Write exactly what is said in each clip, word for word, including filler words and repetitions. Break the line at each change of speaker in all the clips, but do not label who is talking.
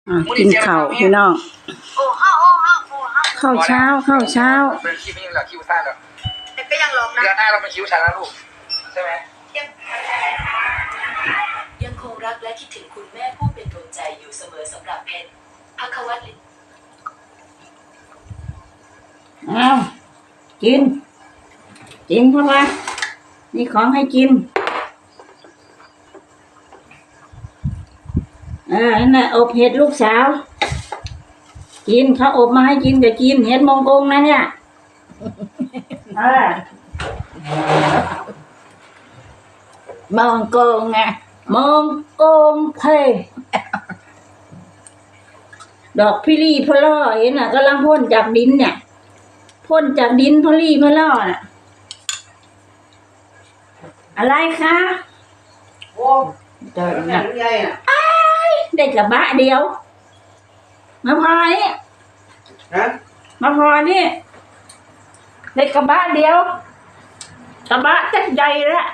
อ่ะกินข้าวพี่น้องข้าวเช้าข้าวเช้า
เป็นคิวไม่ยังเหลือคิวสั้นหรอก
ก็ยังลงนะ
เดือนหน้าเราเป็นคิวฉันแล้วลูกใช่ไหม
ยังคงรักและคิดถึงคุณแม่ผู้เป็นดวงใจอยู่เสมอสำหรับเพชรภัควัตร
อ้าวกินกินเพราะว่านี่ของให้กินเออนั่นแหละอบเห็ดลูกสาวกินเขาอบมาให้กินจะกินเห็ดมงกงนะเนี่ยเออมงกงไงมงกงเพดอกพิรีพล่อเห็นน่ะกำลังพ่นจากดินเนี่ยพ่นจากดินพลีพล่อน่ะอะไรคะโอ้เดินนะได้กระบะเดียวมาพอนี่มาพอนี่ได้กระบะเดียวกระบะจัดใหญ่ละ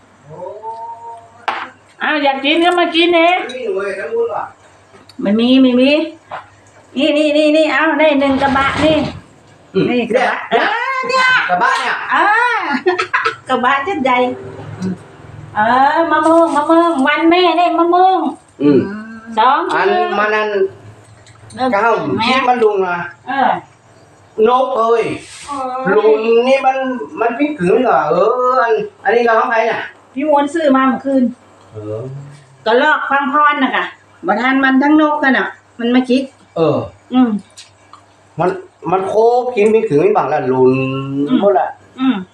อ้าวอยากกินก็มากินเองไม่มีไม่มีนี่นี่นี่นี่เอาได้หนึ่งกระบะนี่นี่กระบะเออเนี่ย
กระบะเนี่ย
เออกระบะจัดใหญ่เออมะม่วงมะม่วงวันแม่ได้มะม่วงสอง
อันมันนั่นก้าวที่มันลุงนะ
เออน
กเอ้ยลุงนี่มันมันพิกืนเหรอเอออันอันนี้เราของใครน่ะ
พี่มวนซื้อมาเมื่อคืน
เออ
ก็ลอกฟังพรน่ะค่ะบ่ทันมันทั้งนกกันน่ะมันมาคิด
เออ
อืม
มันมันโคบกินพิกืนบางละลุนหมดละ
อืม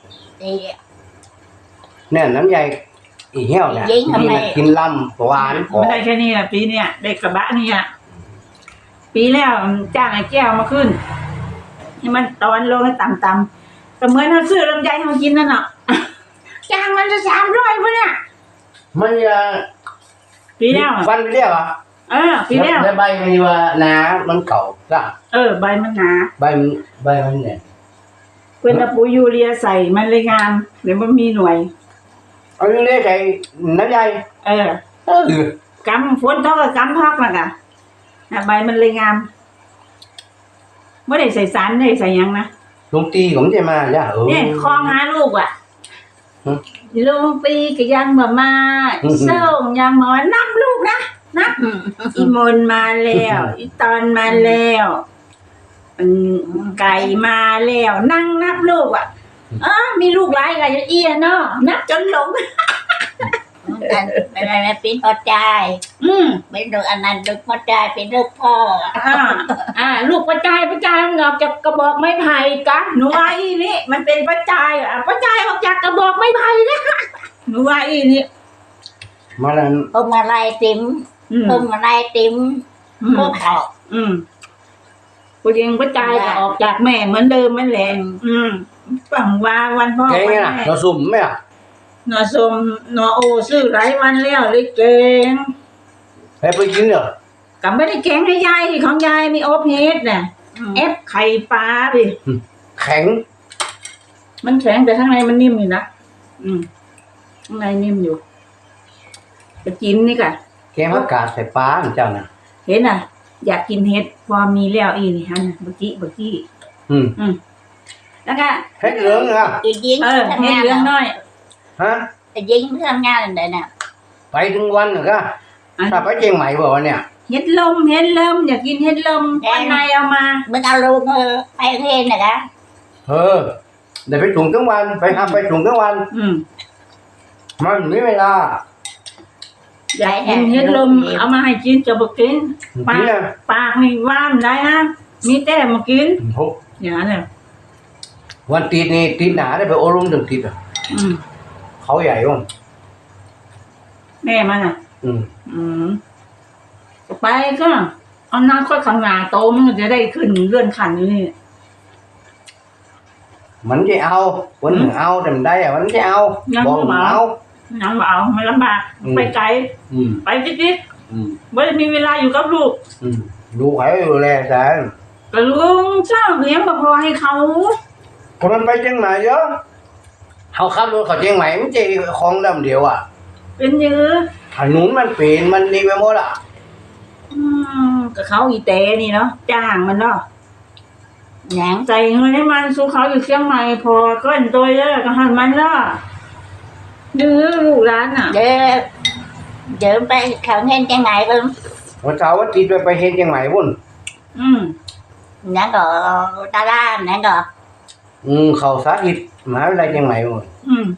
เนี่ยน้ำใหญ่อีเหี้ยวเนี่ยกินลำหวาน
ไม่ได้แค่นี้อ่ะปีเนี้ยได้กระบะนี่อ่ะปีแล้วจ้างไอ้แก้วมาขึ้นให้มันตอนลงให้ต่ำๆก็เหมือนเราซื้อลำไยเขากินนั่นเนาะจ้างมันจะสามร้อยพะเนี่ย
มันจะ
ปีแล้ว
ฟันไปเรียกอ่ะ
เออปีแล้ว
แล้วใบมันว่าหนามันเก่าก็
เออใบมันหนา
ใบมันใบมันเนี่ย
เป็นตะปูยูเรียใส่มันเลยงามเดี๋ยวมันมีหน่วย
เอาเรียกใส่น้ำใย
เออเออกำฝนตกกับกำพักนะกะใบมันเลยงามไม่ได้ใส่สารไม่ได้ใส่ยังนะ
ลุงตีผมจะมาจ้ะเออ
เนี่ยคลองหาลูกอ่ะลุงปีก็ยังมามาส่งยังมานับลูกนะนับอีมนมาแล้วอีตอนมาแล้วไก่มาแล้วนั่งนับลูกอ่ะอ๋อมีลูกหลายกันเอียเนาะนับจนหลง
ไม่ไม่ไม่เป็นพ่อใจ
อืม
เป็นลูกอันนั้นลูกพ่อใจเป็นลูกพ่อ
อ่าอ่าลูกพ่อใจพ่อใจมันออกจากกระบอกไม้ไผ่กะหนูไอ้นี่มันเป็นพ่อใจอ่ะพ่อใจออกจากกระบอกไม้ไผ่นะหนูไอ้นี่
มาแล้ว
พวงมาลัยติ๋มพวงมาลัยติ๋มพวกเขา
อืมกูยังพ่อใจก็ออกจากแม่เหมือนเดิมมันแหละอืมฝังว่าวันพ่อ
วันแม่เราสุ่มไหมอ่ะ
หนอสมหนอโอซื้อหลายวันแล้วเลยเก่ง
ให้ไปกินเหรอ
กับไม่ได้แข็งให้ยายของยายมีโอเพสเนี่ยเอฟไข่ปลาดิ
แข็ง
มันแข็งแต่ข้างในมันนิ่มอยู่นะอืมข้างในนิ่มอยู่จะกินนี่ค่ะ
แกงผักกาดใส่ปลาเจ้าน่ะ
เห็นอ่ะอยากกินเห็ดพอมีแล้วอีนี่ฮะเมื่อกี้เมื่อกี้
อืม
อืมแล้วก็
เห็ดเหลืองอ่ะ
เออเห็ดเหลืองน้อย
ฮะ
แต่ยิงไม่ทำงานอะไรเนี่ย
ไปถึงวันเหรอคะถ้าไปเชียงใหม่บอกว่าเนี่ย
เห็ดลมเห็ดลมอยากกินเห็ดลมวันไหนเอามา
มึงเอาลูกเออไปเทนนะคะ
เออเดี๋ยวไปถุงทั้งวันไปทำไปถุงทั้งวัน
อืม
มันไม่เวลา
อยากกินเห็ดลมเอามาให้กินจะบอกกินปากปากไม่ว่างได้นะมีแต่มากินอย่างนั้นเลย
วันตีนี่ตีหนาได้ไปโอรุมถึงตีอ่ะเขาใหญ่ว่ะ
แม่มันอ่ะ
อืม
อืมไปก็เอาหน้าค่อยข้างหน้าโตมันจะได้ขึ้นเลื่อนขันอยู่นี่
มันจะเอาวันหนึ่งเอาแต่ได้อะมันจะเอา
บอกเอายังเอาไม่ลำบากไปไกลไปจิ๊ดๆไม่ได้มีเวลาอยู่กับลูก
ลูกใครดูแลแต่
ก็ลุงเจ้าเลี้ยงพอให้เขา
คนมันไปเชียงใหม่เยอะเขาขับรถเขาเชียงใหม่มันจะคลองลำเดียวอ่ะ
เป็นเยอะ
ถนนมันเปลี่ยนมันดีไปหมดอ่ะ
อืมกับเขาอีเตนี่เนาะจ้างมันเนาะ
หยัง
ใจเงินให้มันสู้เขาอยู่เชียงใหม่พอก้อนตัวเยอะก็หันมันเนาะดื้อลูกร้านอ่ะ
เดี๋ยวเดี๋ยวไปเขาเห็นจังไหนเบิ่ง
วันเสาร์วันอาทิตย์ไปไปเฮ็ดจังไหนพุ่น
อืม
หยังก็ตาล่ามหยังก็
อืมเข้าสาธิตมหาวิทยาลัยจังไหนพุ่น
อืม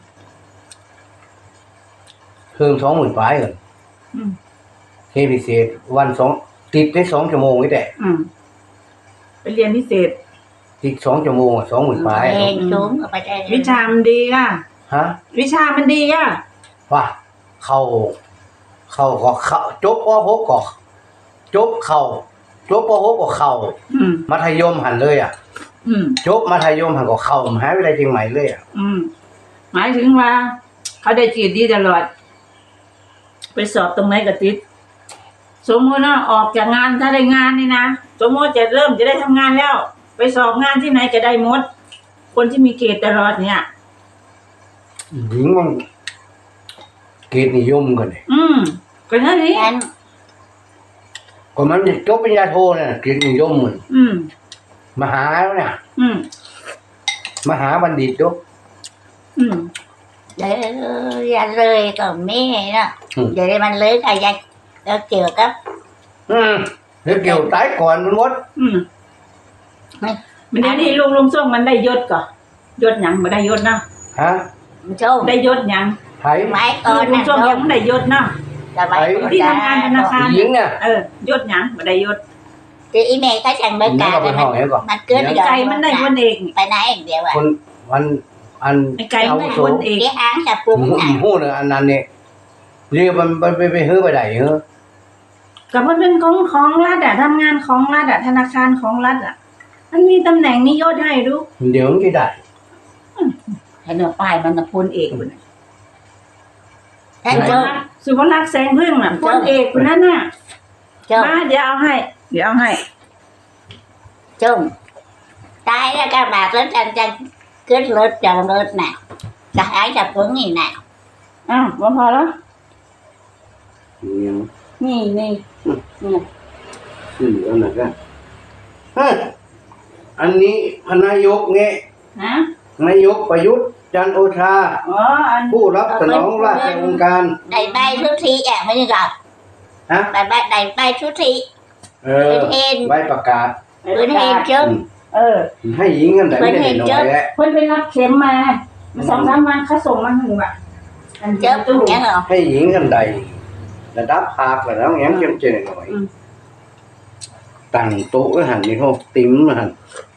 เพิ่มสองหมื่นปลายก่อน
อืม
เฮ็ดพิเศษวันสองติดได้สองชั่วโมงนี่แหละ
อืมไปเรียนพิเศษ
ติดสองชั่วโมงอ่ะสองหมื่นปลาย
เองสูงก็ไปได้
วิชามันดีอ่ะ
ฮะ
วิชามันดีอ่ะ
ว่าเข้าเข้าก็เข้าจบป .หก ก็จบเข้าจบป .หก ก็เข้า
อืม
มัธยมหันเลยอ่ะ
อืม
จบมัธยมหันก็เข้ามหาวิทยาลัยเชียงใหม่เลยอ่ะ
อืมหมายถึงว่า เขาได้จีดดีตลอด ไปสอบตรงไหนก็ติด สมมติว่าออกจากงานถ้าได้งานนี่นะสมมติจะเริ่มจะได้ทำงานแล้ว ไปสอบงานที่ไหนก็ได้หมด คนที่มีเกรดตลอดเนี่ย
หญิงมันเกรดนิยมกันเลย
อืมก็นั่นนี่
งั้น
ก็มันจบปริญญาโทเนี่ยเกรดนิยมเหมือน
อืม
มหาเนี่ย
อืม
มหาบัณฑิตด้วย
อืม
เดี๋ยวอย่าเลยก็มีเนาะเดี๋ยวมันเลยก็ยังแล้วเกี่ยวกับ
อืมเดี๋ยวเกี่ยวตายก่อนมันหมด
อืมมันเดี๋ยวนี้ลุงลุงส่งมันได้ยศก่อนยศหยังมาได้ยศเนาะ
ฮะ
โชค
ได้ยศหยัง
ไผ่
ไม้
ลุ
ก่อน
งลุ
นะ
งส่งยังไม่ได้ยศเนาะ
สมัย
ที่ทำงานธนาคาร
หญิงเนี่ย
เออยศหยังมาได้ยศ
ที่อีเมลเขาจังเบิก
นี่
การ
ก็ไปห้องไหนก่อน
มันเกิด
ไก่มันได้คนเอง
ไปไหนเดียวอ่ะ
คนวันอัน
ไอ้ไก่มันได้
โส
คนเอง
ที่อ้างจะปรุง
หู
น่ะ
หูเนี่ยอันนั้นเนี่ยเรียกมันไปไปไปเฮ้อไปไหนเฮ้อ
กับมันเป็นของของรัฐอะทำงานของรัฐอะธนาคารของรัฐอะมันมีตำแหน่งมียศให้ดู
เดี๋ยวมันจะได้
เห็นว่าป้ายมันน่ะพลเอกคนน่ะ
ท่านโจม
สุภลักษณ์แสงพึ่งน่ะพลเอกคนนั้นน่ะ
โจม
มาเดี๋ยวเอาให้ เดี๋ยวเอาให้
โจมตายแล้วก็บาดแล้วจังจังขึ้นรถจังรถน่ะจะหายจะปรุงนี่น่ะ
อ้าวบ่พอแล้ว
เนี่ย
นี่นี่นี่
คืออันนั้นก็ฮะอันนี้พนายกเนี่ย
ฮะ
นายกประยุทธ์จันทร์โอชา
อ๋ออัน
ผู้รับสนองราชองค์การ
ได้ใบทุกทีอ่ะไม่ใช่หรอก
ฮะ
ได้ใบได้ใบทุกที
เออ
เป็นเห็น
ใบประกาศ
เป็นเห็นโจม
เออ
ให้หญิงกันแต่ไม่ได้หน่อยแหละ
เพิ่นไปรับเข็มมามาสองสามวันเขาส่งมาถึงว่ะอัน
โจ
เจ้าม ตู้
ยังเหรอ
ให้หญิงกันใดระดับภาคแล้วแง้มเจียมเจนหน่อยตั้งโต๊ะไว้หันนี่เขาติ้มมาหัน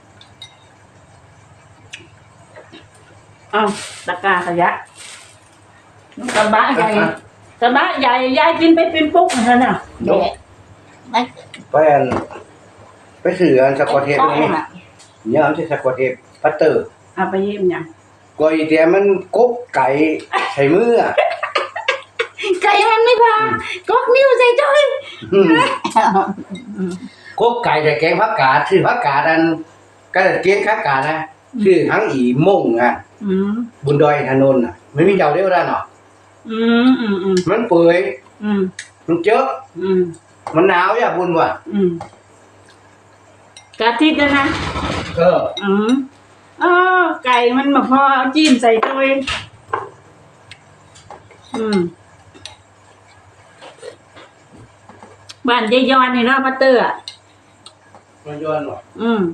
อ้าวตะกร้าขยะกระบะใหญ่กระบะใหญ่ยายกินไปเป็นปุ๊กเหมือนกันน่ะ
เดี๋ยวมัน
ไปอันไปสื่ออันสกอตเทป
ต้อง
นี่
อ่ะ
เนี่ยอันที่สกอตเทปพัตเตอร์
เอาไปเยี่ยมยัง
กอยแต่มันกบไก่ใส่มืออ่ะ
ไก่มันไม่พาก๊อกนิ้วใส่จ้อย
อืมกบไก่แต่แกงผักกาดชื่อผักกาดอันก็เกียงผักกาดนะชื่อทั้งอีม่งอ่ะ
อืม
บุญดอยถนนอ่ะไม่มีเจ้าเดียวได้หรอก
อืมอืมอืม
มันเปื่อย
อืม
มันเจอะ
อืม
มันหนาวอย่าบุญว่ะ
อืมกะทินะนะ
เออ
อืมอ๋อไก่มันมาพอเอาจิ้มใส่ตัวเองอืมบ้านยายยอนนี่เนาะพัตเตอร์อะ
มันย้อนว่ะ
อืม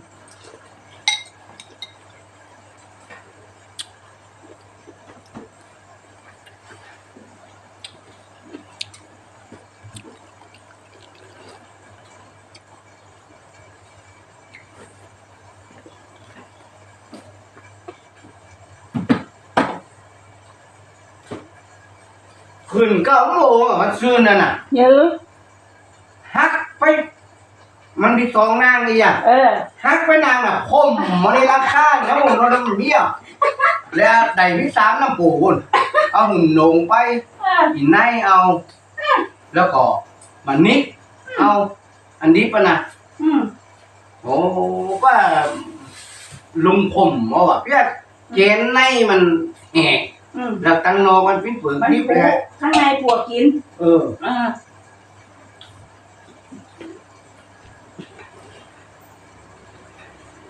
ขึ้นเก้าโมงอ่ะมันซื่นนั่นน่ะ
เยอะ
ฮักไป มันมีสองนางนี่อ่ะ
เออ
ฮักไปนางน่ะคมมันในราคาแล้วผมเราดำเบี้ยแล้วได้ที่สามน้ำปูนเอาหุ่นโหนงไปอินไนเอา แล้วก็มันนิดเอา อันนี้ปะนะ
อืม
โอ้ว่าลุงผมเอาอ่ะเพี้ยเจนในมันแหก
อืม
แล้วตังนอกมันปิ้นเปลือก
มัน
นิบ
ปู
เลย
ข้างในปวกกิน
เออ
อ่า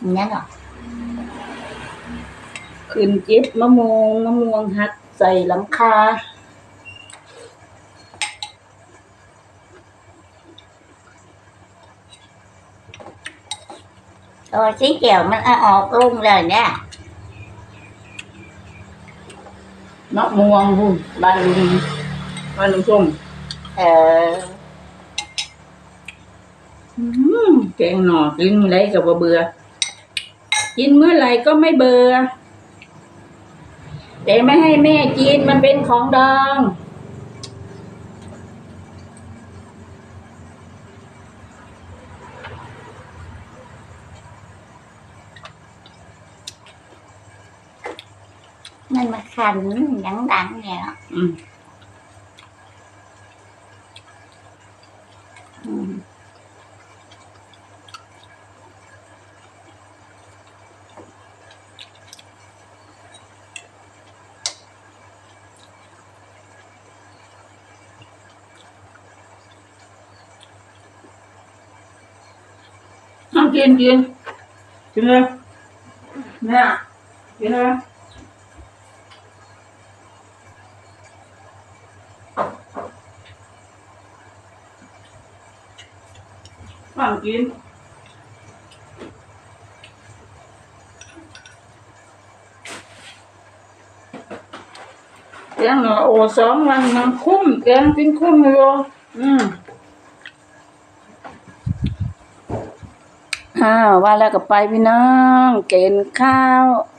nhớ rồi
ขึ้นเจ็บมะม่วงมะม่วงหักใส่หลังคา
rồi xí chiều mình ăn ọt luôn rồi nha
มะม่วงหุ่นบ้านลุงบ้านลุงส้ม
ờ
อืมแกงหน่อกินไรก็บ่เบื่อกินเมื่อไหร่ก็ไม่เบื่อแต่ไม่ให้แม่กินมันเป็นของดอง
mình mà khành đắng đắng vậy đó
อืม
ừ.
เอากินกินกินเลยเนี่ยกินเลยฟังกินแกงหน่อโอสองวันมันคุ้มแกงกินคุ้มเลยอืมอ้าวว่าแล้วก็ไปพี่น้องเกณฑ์ข้าว